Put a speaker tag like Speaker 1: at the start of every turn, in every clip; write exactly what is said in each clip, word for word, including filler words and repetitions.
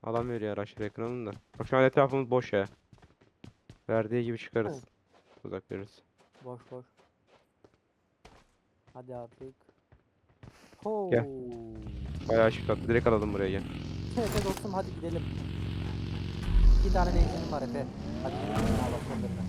Speaker 1: Alan veriyor araçlar ekranında. Bak şu an etrafımız boş ya. Verdiği gibi çıkarız.
Speaker 2: Evet.
Speaker 1: Uzak veririz.
Speaker 2: Boş boş. Hadi artık. Ho.
Speaker 1: Gel. Bayağı şık attı. Direkt alalım buraya gel.
Speaker 2: Efe dostum hadi gidelim. İki tane benzinim var Efe. Hadi gidelim. Allah sonlarına.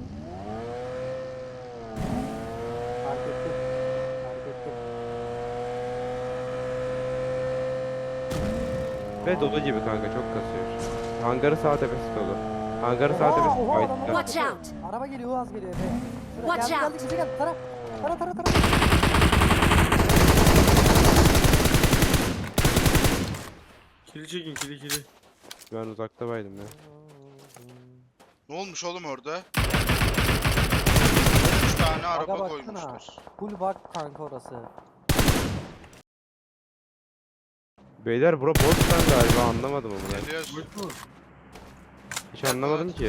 Speaker 2: Fark ettim. Fark ettim.
Speaker 1: Ve dolu gibi kanka çok kasıyor. Hangarı sağ tepesi dolu. Hangarı sağ
Speaker 2: Oha,
Speaker 1: tepesi
Speaker 2: oha, adamlar
Speaker 1: fight'ta.
Speaker 2: var.
Speaker 3: Watch out!
Speaker 2: Araba geliyor, Uaz geliyor Efe. Şuraya
Speaker 3: Watch
Speaker 2: geldi,
Speaker 3: out.
Speaker 2: geldi, bize geldi. Tara. Tara tara tara.
Speaker 4: Kili çekin kili kili.
Speaker 1: Ben uzakta baydım ya.
Speaker 5: Ne olmuş oğlum orada? Üç tane araba
Speaker 2: baksana.
Speaker 5: koymuşlar.
Speaker 2: Full bak kanka orası.
Speaker 1: Beyler bura boş lan galiba anlamadım onu ben.
Speaker 5: Geliyoruz.
Speaker 4: Boş mu?
Speaker 1: Hiç anlamadım ki.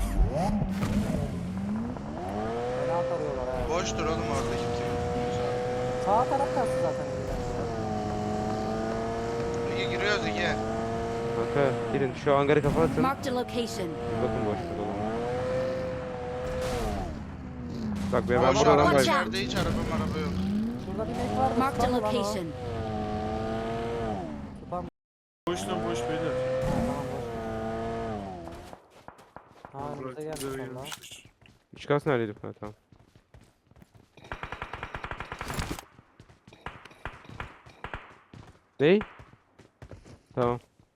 Speaker 2: Fena tarıyorlar ha.
Speaker 5: Boştur oğlum orada kimse yok.
Speaker 2: Sağ taraf kastı zaten.
Speaker 5: Ege giriyoruz Ege.
Speaker 1: Kanka girin şu hangarı kapatın.
Speaker 3: Marked a location.
Speaker 1: Bir bakın boş mu dolu mu? Bak be ben
Speaker 5: Boş
Speaker 1: buradan
Speaker 5: araba
Speaker 3: Watch
Speaker 1: baydım.
Speaker 3: out.
Speaker 5: içeride hiç araba maraba yok.
Speaker 2: Şurada bir mek vardı.
Speaker 3: Marked a
Speaker 2: spam lan o.
Speaker 3: location.
Speaker 2: Spam.
Speaker 4: Boş lan boş beyler.
Speaker 2: Tamam boş. Ha önümüze
Speaker 4: Bırak, bize
Speaker 2: gelmiş valla.
Speaker 4: gelmişler.
Speaker 1: Üç kas neredeydi? Ha tamam. Ney? Tamam.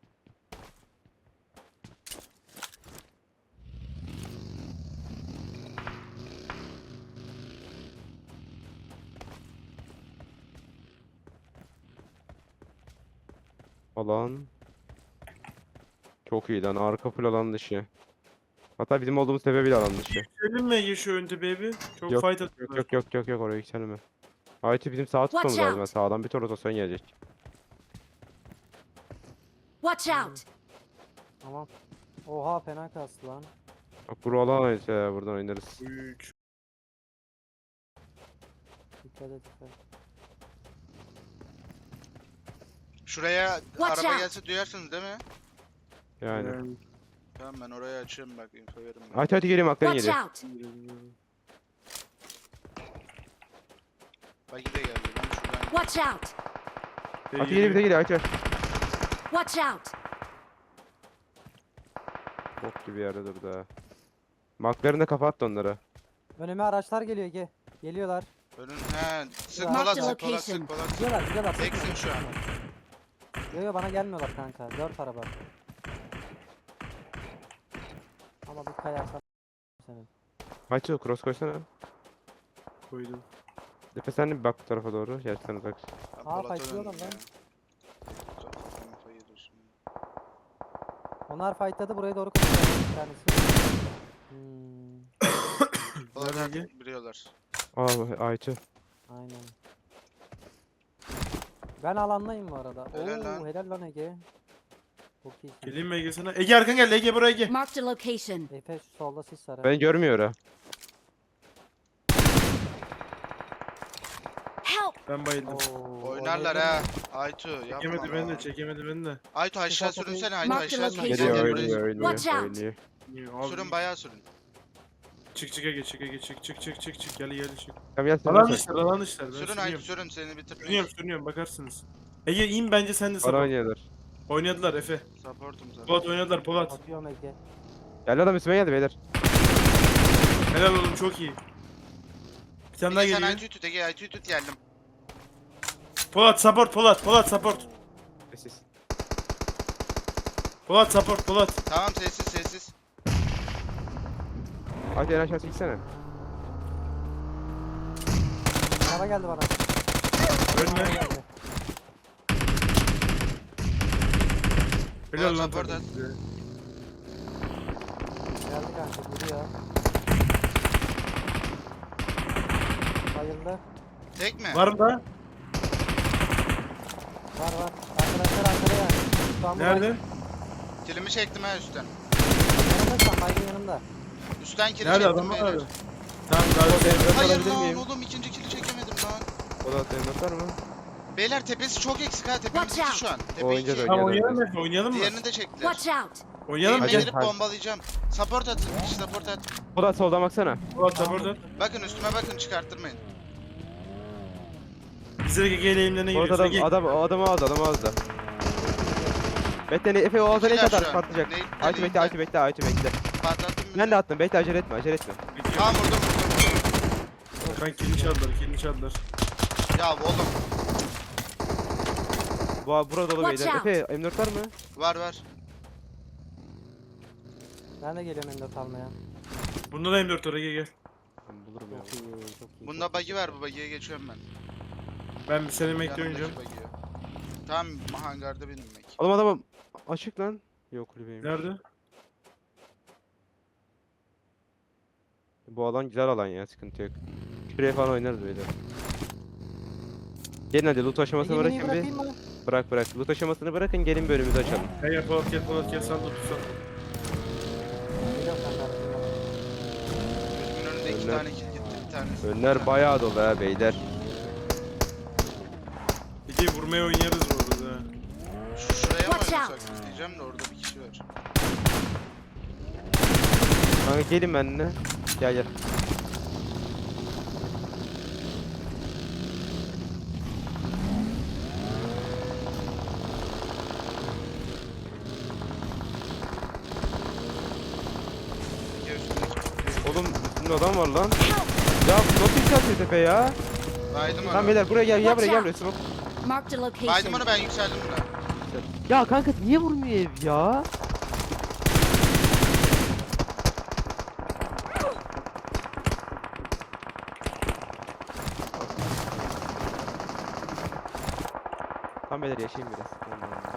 Speaker 1: Alan. Çok iyi lan. Arka full alan dışı. Hatta bizim olduğumuz tepe bile alan dışı.
Speaker 4: Yükseldin mi Ege şu önde baby? Çok
Speaker 1: Yok,
Speaker 4: fight
Speaker 1: Yok
Speaker 4: atıyorlar.
Speaker 1: yok yok yok yok oraya yükselme. Aytu bizim sağa
Speaker 3: Watch
Speaker 1: tutmamız lazım.
Speaker 3: out.
Speaker 1: Sağdan bir tur rotasyon gelecek.
Speaker 3: Watch out!
Speaker 2: Tamam. Oha fena kastı lan.
Speaker 1: Bak buru alan Aytu ya buradan oynarız.
Speaker 4: Büyük.
Speaker 2: Dikkat et dikkat.
Speaker 5: Şuraya
Speaker 3: Watch
Speaker 5: araba
Speaker 3: out.
Speaker 5: gelse duyarsınız değil mi?
Speaker 1: Yani.
Speaker 4: Yani.
Speaker 5: Tamam ben oraya açıyorum bak info verin bana.
Speaker 1: Aytu hadi geleyim aklına
Speaker 3: Watch
Speaker 1: geliyor.
Speaker 3: out!
Speaker 5: Bagi de geldi ben şuradan.
Speaker 3: Watch out!
Speaker 1: Hadi geliyor bir de geliyor Aytu.
Speaker 3: Watch out!
Speaker 1: Bok gibi yerde durdu ha. Maklarını da kapattı onlara.
Speaker 2: Önüme araçlar geliyor Ege. Geliyorlar.
Speaker 5: Önün he sık
Speaker 2: Ya.
Speaker 5: Polat
Speaker 3: Marked
Speaker 5: sık Polat
Speaker 3: location.
Speaker 5: sık Polat.
Speaker 2: Gidiyorlar gidiyorlar.
Speaker 5: Teksin şu an.
Speaker 2: Yo yo bana gelmiyorlar kanka. Dört araba. Ama bir kayarsan senin.
Speaker 1: Aytu cross koysana.
Speaker 4: Koydum.
Speaker 1: Efe sen de bir bak bu tarafa doğru. Gerçekten uzak.
Speaker 5: Ben
Speaker 2: Aa,
Speaker 5: Polat'a
Speaker 2: fightlıyorlar
Speaker 5: döndüm
Speaker 2: lan.
Speaker 5: ya. Info yediyorsun.
Speaker 2: Onlar fightladı buraya doğru koşuyor bir tanesi. Hmm,
Speaker 5: Polat
Speaker 4: Nerede
Speaker 5: artık biliyorlar.
Speaker 1: Aa Aytu.
Speaker 2: aynen. Ben alandayım bu arada.
Speaker 5: Helal
Speaker 2: Oo,
Speaker 5: lan.
Speaker 2: helal lan Ege. Çok iyisin.
Speaker 4: Geleyim mi Ege sana? Ege arkan geldi Ege buraya Ege.
Speaker 3: Marked a location.
Speaker 2: Efe şu solda sis var. ha.
Speaker 1: Beni görmüyor ha.
Speaker 3: Help!
Speaker 4: Ben bayıldım.
Speaker 2: Oo,
Speaker 5: Oynarlar
Speaker 2: oynayabilir
Speaker 5: ha.
Speaker 2: miyim?
Speaker 5: Aytu yapma
Speaker 4: Çekemedi beni de
Speaker 5: lan.
Speaker 4: çekemedi beni de.
Speaker 5: Aytu aşağı
Speaker 2: Ufak
Speaker 5: sürünsene
Speaker 2: ufak-
Speaker 5: Aytu
Speaker 3: Mark the
Speaker 5: aşağı sürün.
Speaker 3: location.
Speaker 5: Gel
Speaker 1: Geliyor
Speaker 5: gel
Speaker 1: oynuyor
Speaker 5: buraya.
Speaker 1: oynuyor
Speaker 3: Watch out.
Speaker 1: oynuyor.
Speaker 4: Abi,
Speaker 5: Sürün bayağı sürün.
Speaker 4: Çık çık Ege çık Ege çık çık çık çık çık gel gel çık.
Speaker 1: Tamam gel sen
Speaker 4: Alan
Speaker 1: de
Speaker 4: işler alan işler ben
Speaker 5: Sürün Aytu
Speaker 4: sürüyorum.
Speaker 5: sürün seni bitirmeyiz.
Speaker 4: Sürüyorum sürüyorum bakarsınız. Ege in bence sen de
Speaker 1: Bana
Speaker 4: support.
Speaker 1: oynuyorlar.
Speaker 4: Oynadılar Efe.
Speaker 5: Supportum zaten.
Speaker 4: Polat oynadılar Polat.
Speaker 2: Atıyorum Ege.
Speaker 1: Geldi adam üstüme geldi beyler.
Speaker 4: Helal oğlum çok iyi. Bir tane daha
Speaker 5: Ege sen
Speaker 4: geliyor.
Speaker 5: Aytu'yu tut Ege Aytu'yu tut geldim.
Speaker 4: Polat support Polat Polat support.
Speaker 1: Sessiz.
Speaker 4: Polat support Polat.
Speaker 5: Tamam sessiz sessiz.
Speaker 1: Hadi en aşağı çeksene.
Speaker 2: Araba geldi bana.
Speaker 4: Ölme.
Speaker 2: Araba geldi.
Speaker 4: Helal
Speaker 5: Polat
Speaker 4: lan
Speaker 5: support
Speaker 4: Polat.
Speaker 5: at.
Speaker 2: Geldi kanka vuruyor. Bayıldı.
Speaker 5: Tek mi?
Speaker 4: Var mı da?
Speaker 2: Var var. Arkadaşlar arkada yani. Şu an bu
Speaker 4: Nerede?
Speaker 5: Kilimi çektim ha üstten.
Speaker 2: baygın- Yanımda şu an baygın yanımda.
Speaker 5: Üstten kili
Speaker 4: Nerede
Speaker 5: çektim
Speaker 4: adamlar
Speaker 5: beyler.
Speaker 4: nerede? Tamam daha
Speaker 1: Polat
Speaker 4: şey.
Speaker 1: elmas
Speaker 5: Hayır
Speaker 1: alabilir
Speaker 5: lan
Speaker 1: miyim?
Speaker 5: oğlum ikinci kili çekemedim lan.
Speaker 1: Polat elmas var mı?
Speaker 5: Beyler tepesi çok eksik ha. Tepemiz
Speaker 3: Watch
Speaker 5: iki şu an. Tepe
Speaker 1: Oynayacağız,
Speaker 5: iki.
Speaker 4: Tamam
Speaker 1: Oynayalım.
Speaker 4: oynayalım mı? Oynayalım mı?
Speaker 5: Diğerini de çektiler.
Speaker 3: Watch out!
Speaker 4: Oynayalım mı?
Speaker 5: Eğime
Speaker 1: Hadi.
Speaker 5: girip
Speaker 1: Hadi.
Speaker 5: bombalayacağım. Support atın. Bir kişi support at.
Speaker 1: Polat soldan baksana.
Speaker 4: Polat da burada.
Speaker 5: Bakın üstüme bakın çıkarttırmayın.
Speaker 4: Biz de G G eğimlerine
Speaker 1: Polat
Speaker 4: giriyoruz.
Speaker 1: adam,
Speaker 4: Ege.
Speaker 1: adam, o adamı aldı, adamı aldı. Bekle ne- Efe o alta ne
Speaker 5: İkiler
Speaker 1: kadar
Speaker 5: şu an.
Speaker 1: patlayacak.
Speaker 5: Ne-
Speaker 1: Aytu bekle,
Speaker 5: ne-
Speaker 1: Aytu bekle, Aytu bekle.
Speaker 5: Patlattım bir
Speaker 1: Ben
Speaker 5: de.
Speaker 1: de attım, bekle acele etme, acele etme.
Speaker 5: Tamam vurdum vurdum.
Speaker 4: Ben kilini çaldılar, kilini çaldılar.
Speaker 5: Ya oğlum.
Speaker 1: Bu burada dolu
Speaker 3: Watch
Speaker 1: beyler.
Speaker 3: out.
Speaker 1: Efe M dört var mı?
Speaker 5: Var var.
Speaker 2: Ben de geliyorum M dört almaya.
Speaker 4: Bunda da M dört oraya gel.
Speaker 1: Ben bulurum ya.
Speaker 2: Çok iyi, çok iyi.
Speaker 5: Bunda
Speaker 2: çok
Speaker 5: bug'i
Speaker 2: iyi.
Speaker 5: var, bu bug'iye geçiyorum ben.
Speaker 4: Ben bir sene emekli
Speaker 5: Yanımdaki
Speaker 4: oynayacağım.
Speaker 5: bug'iye. Tamam hangarda benim mek.
Speaker 1: Oğlum adamım açık lan. Yok kulübeyim.
Speaker 4: Nerede?
Speaker 1: Bu alan güzel alan ya, sıkıntı yok. Şuraya falan oynarız böyle. Gelin hadi loot aşamasını
Speaker 2: Ege, miniyi
Speaker 1: bırakın bir.
Speaker 2: bırakayım mı?
Speaker 1: Bırak bırak. Loot aşamasını bırakın, gelin bölümümüzü açalım.
Speaker 4: Gel gel Polat gel Polat gel sen de tutsan.
Speaker 2: Geliyorum kanka.
Speaker 5: Gözümün önünde iki
Speaker 1: Önler.
Speaker 5: tane kill gitti bir tanesi.
Speaker 1: Önler bayağı dolu ha beyler.
Speaker 4: Ege vurmaya oynarız bu arada. ha.
Speaker 5: Şu şuraya mı
Speaker 3: Watch
Speaker 5: oynasak diyeceğim de orada bir kişi var.
Speaker 1: Kanka gelin benimle. Gel gel.
Speaker 5: İki üstündeki.
Speaker 1: Oğlum üstünde adam var lan. Ya bu nasıl yükseltiyor tepe ya?
Speaker 5: Baydım onu.
Speaker 1: Tamam beyler buraya gel, gel buraya gel buraya. Smoke.
Speaker 3: Marked a
Speaker 5: Baydım
Speaker 3: location.
Speaker 5: onu, ben yükseldim buna.
Speaker 1: Ya kanka niye vurmuyor ev ya? Tamam beyler yaşayayım biraz. Tamam, tamam.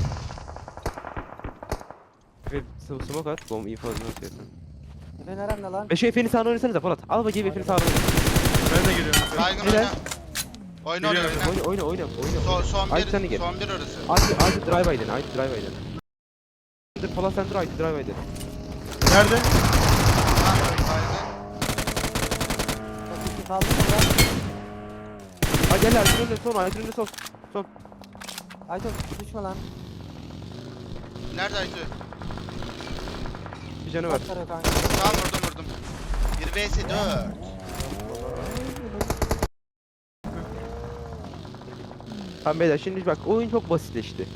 Speaker 1: Ve sm- smoke at, bomb info nasıl yapıyorsun?
Speaker 2: Efe nerede lan?
Speaker 1: Ve şu Efe'nin sağına oynasanıza Polat. Al bakayım Efe'nin sağına oyna.
Speaker 4: Ben de geliyorum.
Speaker 5: Baygın
Speaker 1: Helal.
Speaker 5: oyna. Oyna oyna
Speaker 4: Geliyorum.
Speaker 5: oyna.
Speaker 1: Oyna oyna oyna oyna.
Speaker 5: Son, son
Speaker 1: Aytu sen de
Speaker 5: bir,
Speaker 1: gel.
Speaker 5: son bir orası.
Speaker 1: Aytu Aytu drive aydın, Aytu drive aydın. Dur Polat sen dur, Aytu drive aydın.
Speaker 4: Nerede?
Speaker 5: Ha, baygın.
Speaker 2: Çok iyi kaldı mı lan?
Speaker 1: Ha gel Aytu'nun önüne son, Aytu'nun önüne son. Son.
Speaker 2: Ayto düşme lan.
Speaker 5: Nerede Aytu?
Speaker 1: Bir canı var.
Speaker 2: Sarıyor kanka.
Speaker 5: Tamam vurdum vurdum. bir vs dört.
Speaker 1: Tamam beyler şimdi bak oyun çok basitleşti.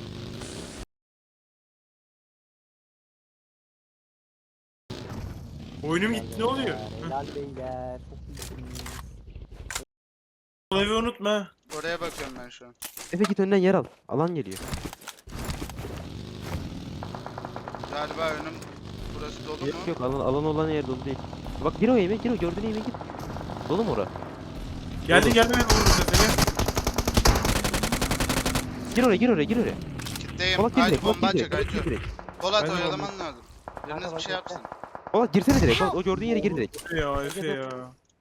Speaker 4: Oyunum gitti ne oluyor?
Speaker 2: Helal beyler. Çok iyisiniz.
Speaker 4: O evi unutma.
Speaker 5: Oraya bakıyorum ben şu an.
Speaker 1: Efe git önden yer al. Alan geliyor.
Speaker 5: Galiba önüm burası dolu
Speaker 1: Yok
Speaker 5: mu?
Speaker 1: yok alan, alan olan yer dolu değil. Bak gir o yemeğe gir o gördüğün yemeğe gir. Dolu mu ora?
Speaker 4: Geldi geldi beni vururuz Efe gel.
Speaker 1: Gir oraya gir oraya gir oraya.
Speaker 5: Kitleyim.
Speaker 1: Polat gir
Speaker 5: Aytu
Speaker 1: direkt. Polat
Speaker 5: bomba
Speaker 1: gir
Speaker 5: atacak
Speaker 1: direkt. Polat gir
Speaker 5: Aytu.
Speaker 1: direkt.
Speaker 5: Polat
Speaker 4: Ben de
Speaker 5: oyalaman lazım. Biriniz
Speaker 2: Kanka
Speaker 5: bir şey
Speaker 2: bak,
Speaker 5: yapsın.
Speaker 1: Polat girsene direkt. Polat, o gördüğün yere gir direkt.
Speaker 4: Efe ya Efe ya.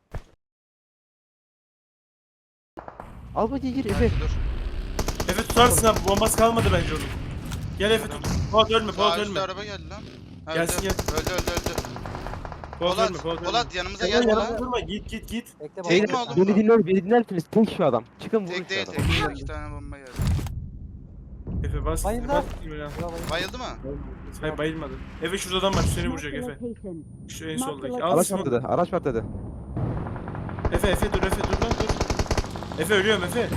Speaker 1: Al bakayım gir Efe.
Speaker 5: Aytu dur.
Speaker 4: Efe tutarsın abi bombası kalmadı bence onun. Gel Efe tut. Polat ölme Polat
Speaker 5: Sağ üstte
Speaker 4: ölme.
Speaker 5: araba geldi lan. Ha,
Speaker 4: Gelsin,
Speaker 5: öldü.
Speaker 4: gel.
Speaker 5: Öldü öldü öldü.
Speaker 4: Polat
Speaker 5: Polat,
Speaker 4: ölme Polat ölme.
Speaker 5: Polat yanımıza
Speaker 4: Polat
Speaker 5: gel
Speaker 4: yanımda
Speaker 5: lan.
Speaker 4: durma git git git.
Speaker 2: Bekle
Speaker 5: Tek mi
Speaker 2: bomba.
Speaker 5: oğlum?
Speaker 1: Beni dinler, beni dinler misiniz? Tek şu adam. Çıkın vurun
Speaker 5: Tek
Speaker 1: şu
Speaker 5: değil
Speaker 1: adamı.
Speaker 5: tek. İki tane bomba geldi.
Speaker 4: Efe bas.
Speaker 2: Bayıldı.
Speaker 4: Bas.
Speaker 2: Bravo.
Speaker 5: Bayıldı mı?
Speaker 4: Hayır bayılmadı. Efe şurada adam var seni vuracak
Speaker 3: Marked a
Speaker 4: Efe.
Speaker 3: location.
Speaker 4: Şu en soldaki. Al
Speaker 1: Araç
Speaker 4: smoke.
Speaker 1: patladı, araç patladı.
Speaker 4: Efe Efe dur Efe dur lan dur. Efe ölüyorum Efe.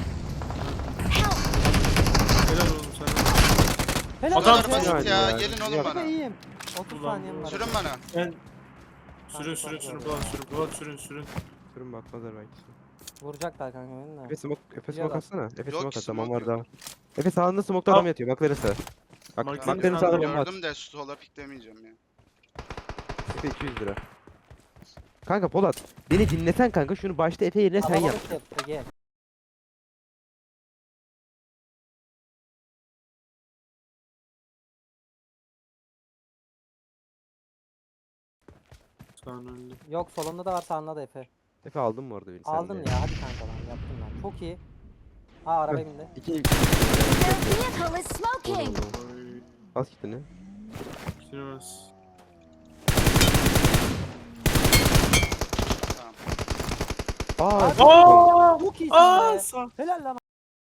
Speaker 4: Helal oğlum sana.
Speaker 2: Helal
Speaker 4: Adam-
Speaker 5: Bu kadar basit
Speaker 1: Yani
Speaker 5: ya.
Speaker 1: ya.
Speaker 5: Gelin oğlum
Speaker 1: Yap.
Speaker 5: bana.
Speaker 2: Efe iyiyim. otuz
Speaker 4: Ulan.
Speaker 2: saniyem var.
Speaker 5: Sürün bana.
Speaker 4: Ben sürün sürün sürün Polat sürün Polat sürün sürün.
Speaker 1: Durun bakmazlar belki.
Speaker 2: Vuracaklar kanka beni de.
Speaker 1: Efe smoke, Efe
Speaker 2: Biliyorlar.
Speaker 1: smoke atsana. Efe
Speaker 5: Yok
Speaker 1: smoke
Speaker 5: ki,
Speaker 1: at, tamam
Speaker 5: smoke
Speaker 1: var daha
Speaker 5: yok.
Speaker 1: var. Efe sağında smoke'ta
Speaker 4: Al.
Speaker 1: adam yatıyor, bakları sağ. Bak,
Speaker 4: Mark-
Speaker 1: bakların
Speaker 4: Mark-
Speaker 1: sağda bomba at.
Speaker 5: Gördüm de sola piklemeyeceğim ya.
Speaker 1: Efe iki yüz lira. Kanka Polat, beni dinlesen kanka şunu başta Efe yerine sen yap.
Speaker 2: Kalabalık yap, Ege.
Speaker 4: Sağın önünde.
Speaker 2: Yok solunda da var sağında da Efe.
Speaker 1: Efe aldın mı orada beni sen
Speaker 2: Aldın
Speaker 1: de?
Speaker 2: ya hadi kanka lan yaptın lan. Çok iyi. Ha araba bindi.
Speaker 1: İki...
Speaker 3: Their vehicle is
Speaker 1: Oğlum,
Speaker 3: smoking.
Speaker 1: oğlum.
Speaker 4: Oy.
Speaker 1: Bas gittin
Speaker 4: Süremez.
Speaker 5: Tamam.
Speaker 1: Aa,
Speaker 2: Abi-
Speaker 1: çok-
Speaker 4: Aa!
Speaker 2: Çok iyisin
Speaker 4: Aa
Speaker 2: be.
Speaker 4: sağ.
Speaker 2: Helal lan.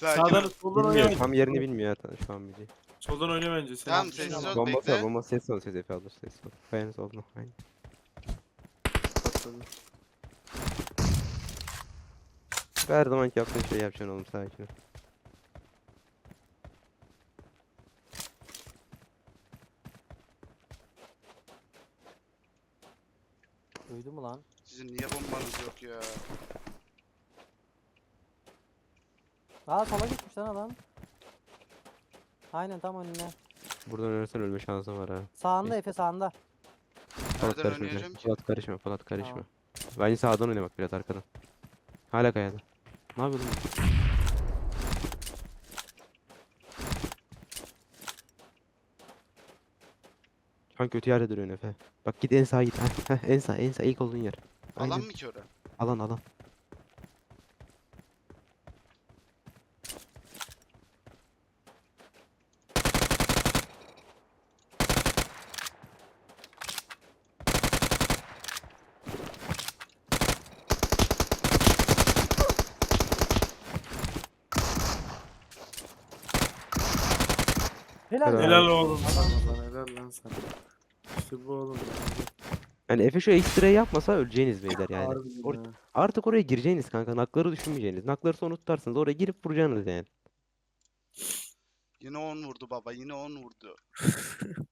Speaker 5: Sakin
Speaker 4: Sağdan
Speaker 5: ol.
Speaker 4: soldan
Speaker 1: Bilmiyor.
Speaker 4: oyna
Speaker 1: Tam
Speaker 4: bence.
Speaker 1: yerini bilmiyor ya ta- şu an biliyor.
Speaker 4: Soldan oyna bence. Sen
Speaker 5: Tamam
Speaker 4: bir şey
Speaker 5: sessiz
Speaker 4: yap.
Speaker 5: ol
Speaker 1: Bombası var.
Speaker 5: bekle.
Speaker 1: Bomba ses ol ses Efe alır ses ol. Kayanız oldu. Aynen.
Speaker 4: Patladı.
Speaker 1: Her zamanki yaptığın şeyi yapacaksın oğlum sakin ol.
Speaker 2: Duydu mu lan?
Speaker 5: Sizin niye bombanız yok ya?
Speaker 2: Aa sola gitmiş lan adam. Aynen tam önüne.
Speaker 1: Buradan ölürsen ölme şansın var ha.
Speaker 2: Sağında Efe sağında.
Speaker 1: Polat
Speaker 5: Nereden
Speaker 1: karışma.
Speaker 5: oynayacağım
Speaker 1: Polat
Speaker 5: ki?
Speaker 1: Polat karışma. Polat karışma.
Speaker 2: Tamam.
Speaker 1: Bence sağdan oyna bak biraz arkadan. Hala kayada. Ne yapıyordun? Şu an kötü yerde duruyorsun Efe. Bak git en sağa git. Heh, heh, en sağ en sağ ilk olduğun yer.
Speaker 5: Alan
Speaker 1: Aynen.
Speaker 5: mı ki ora?
Speaker 1: Alan alan.
Speaker 2: Helal.
Speaker 1: Helal.
Speaker 2: ya.
Speaker 4: Helal oğlum. Helal lan, helal lan sana. İşte bu oğlum.
Speaker 1: Yani Efe şu ekstrayı yapmasa öleceğiniz beyler yani.
Speaker 4: Harbiden
Speaker 1: Or-
Speaker 4: ha.
Speaker 1: artık oraya gireceğiniz kanka. Nakları düşünmeyeceğiniz. Nakları sonra tutarsınız. Oraya girip vuracaksınız yani.
Speaker 5: Yine on vurdu baba yine on vurdu.